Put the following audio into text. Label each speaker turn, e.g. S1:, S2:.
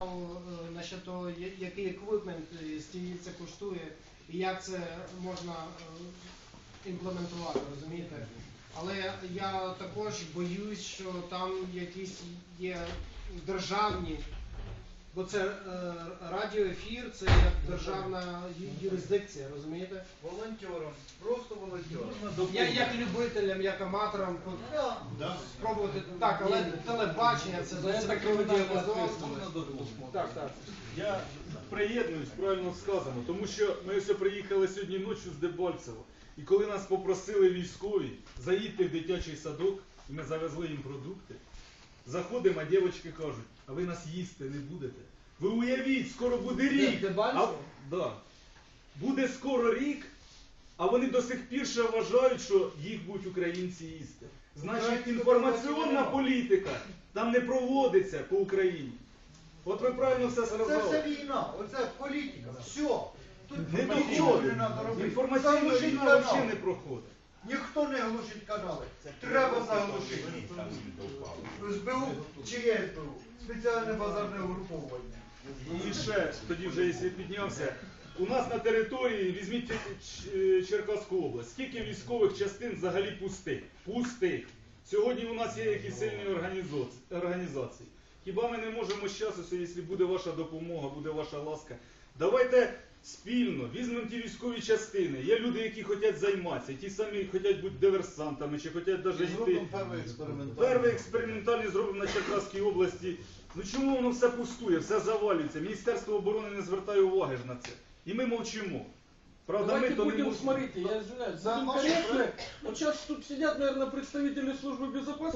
S1: Насчет того, який еквіпмент, скільки це коштує і як це можна імплементувати, розумієте? Але я також боюсь, що там якісь є державні, бо це радіоефір, це як державна юрисдикція, розумієте?
S2: Волонтером, просто волонтером.
S1: Я як любителям, як аматорам спробувати, так, але телебачення, це кримінальне. Так.
S3: Я приєднуюсь, правильно сказано, тому що ми ось приїхали сьогодні ночі з Дебальцева. І коли нас попросили військові заїдьте в дитячий садок, і ми завезли їм продукти, заходимо, а дівчатки кажуть, а ви нас їсти не будете. Ви уявіть, скоро буде рік. Да. Буде скоро рік, а вони до сих пір ще вважають, що їх будуть українці їсти. Значить, інформаційна політика там не проводиться по Україні. От ви правильно все сказали.
S2: Це все війна, оце політика, все. Тут
S3: Не
S2: нічого не
S3: доходить.
S2: треба робити.
S3: Інформаційна
S2: Заглушіть
S3: війна
S2: канал.
S3: взагалі не проходить.
S2: Ніхто не глушить канали. Треба заглушити. СБУ чи є СБУ? Спеціальне базарне угруповання.
S3: І ще, тоді вже, якщо піднявся, у нас на території, візьміть Черкаську область, скільки військових частин взагалі пустих? Пустих. Сьогодні у нас є якісь сильні організації. Хіба ми не можемо з часу, якщо буде ваша допомога, буде ваша ласка, давайте спільно візьмемо ті військові частини. Є люди, які хочуть займатися, ті самі хочуть бути диверсантами, чи хочуть навіть йти. Перший експериментальний зробимо на Черкаській області. Ну чому воно все пустує, все завалюється? Міністерство оборони не звертає уваги ж на це. І ми мовчимо. Правда,
S4: Давайте
S3: мы то не
S4: будем,
S3: можем.
S4: смотрите, я извиняюсь, будем корректны. Вот сейчас тут сидят, наверное, представители службы безопасности.